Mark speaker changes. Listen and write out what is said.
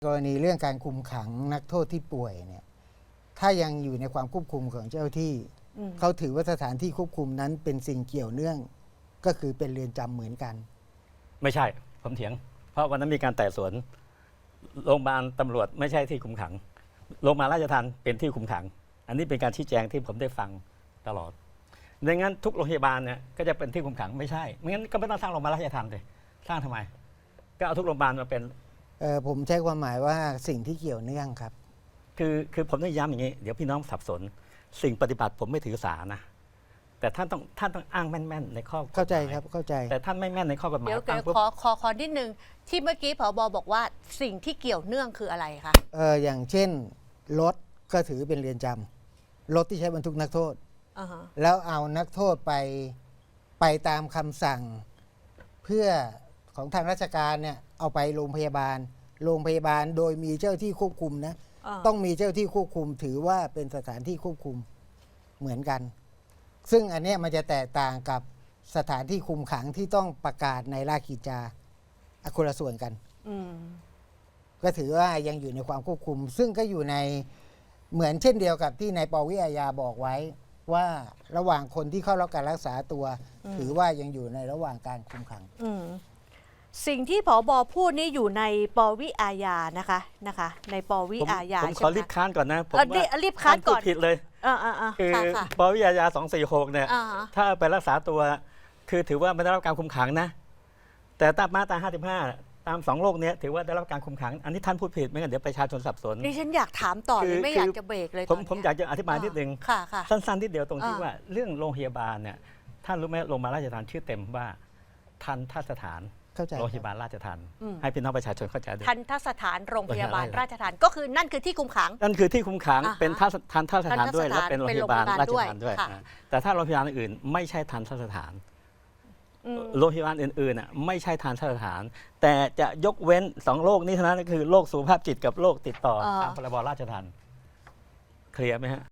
Speaker 1: กรณีเรื่องการคุมขังนักโทษที่ป่วยเนี่ยถ้ายังอยู่ในความควบคุมของเจ้าที่เขาถือว่าสถานที่ควบคุมนั้นเป็นสิ่งเกี่ยวเนื่องก็คือเป็นเรือนจำเหมือนกัน
Speaker 2: ไม่ใช่ผมเถียงเพราะวันนั้นมีการไต่สวนโรงพยาบาลตำรวจไม่ใช่ที่คุมขังโรงพยาบาลราชทัณฑ์เป็นที่คุมขังอันนี้เป็นการชี้แจงที่ผมได้ฟังตลอดดังนั้นทุกโรงพยาบาลเนี่ยก็จะเป็นที่คุมขังไม่ใช่ไม่งั้นก็ไม่ต้องสร้างโรงพยาบาลราชทัณฑ์เลยสร้างทำไมก็เอาทุกโรงพยาบาลมาเป็น
Speaker 1: ผมใช้ความหมายว่าสิ่งที่เกี่ยวเนื่องครับ
Speaker 2: คือผมต้องย้ำอย่างนี้เดี๋ยวพี่น้องสับสนสิ่งปฏิบัติผมไม่ถือสานะแต่ท่านต้องอ้างแม่นๆในข้อกฎหมาย
Speaker 1: เข้าใจครับเข้าใจ
Speaker 2: แต่ท่านไม่แม่นในข้อกฎหมาย
Speaker 3: เดี๋ยวขอนิดนึงที่เมื่อกี้ผบ.บอกว่าสิ่งที่เกี่ยวเนื่องคืออะไรคะ
Speaker 1: อย่างเช่นรถก็ถือเป็นเรือนจำรถที่ใช้บรรทุกนักโทษแล้วเอานักโทษไปตามคำสั่งเพื่อของทางราชการเนี่ยเอาไปโรงพยาบาลโดยมีเจ้าที่ควบคุมนะต้องมีเจ้าที่ควบคุมถือว่าเป็นสถานที่ควบคุมเหมือนกันซึ่งอันนี้มันจะแตกต่างกับสถานที่คุมขังที่ต้องประกาศในราชกิจจาคนละส่วนกันก็ถือว่ายังอยู่ในความควบคุมซึ่งก็อยู่ในเหมือนเช่นเดียวกับที่นายปวิอาญาบอกไว้ว่าระหว่างคนที่เข้ารับการรักษาตัวถือว่ายังอยู่ในระหว่างการคุมขัง
Speaker 3: สิ่งที่ผบ.พูดนี่อยู่ในปวิอาญานะคะในปวิอาญา
Speaker 2: ผมขอรีบค้านก่อนนะผม
Speaker 3: ว่ารีบค้านก่อน
Speaker 2: ผิดเลยคือปวิอาญา246เนี่ยถ้าไปรักษาตัวคือถือว่าไม่ได้รับการคุมขังนะแต่ตามมาตรา55ตาม2โรคนี้ถือว่าได้รับการคุมขังอันนี้ท่านพูดผิดไม่งั้นเดี๋ยวประชาชนสับสน
Speaker 3: ดิฉันอยากถามต่อเลยไม่อยากจะเบรกเลย
Speaker 2: ผมอยากจะอธิบายนิดนึงสั้นๆนิดเดียวตรงที่ว่าเรื่องโรงพยาบาลเนี่ยท่านรู้ไหมโรงพยาบาลราชทัณฑ์ชื่อเต็มว่าทันทสถานโรงพยาบาลราชทัณฑ์ให้พี่น้องประชาชนเข้าใจด้วย
Speaker 3: ทันทสถานโรงพยาบาลราชทัณฑ์ก็คือนั่นคือที่คุมขัง
Speaker 2: นั่นคือที่คุมขังเป็นทันทสถานด้วยและเป็นโรงพยาบาลราชทัณฑ์ด้วยแต่ถ้าโรงพยาบาลอื่นไม่ใช่ทันทสถานโรงพยาบาลอื่นๆไม่ใช่ทันทสถานแต่จะยกเว้น2โรคนี้เท่านั้นก็คือโรคสุขภาพจิตกับโรคติดต่อตามพรบราชทัณฑ์เคลียร์ไหมฮะ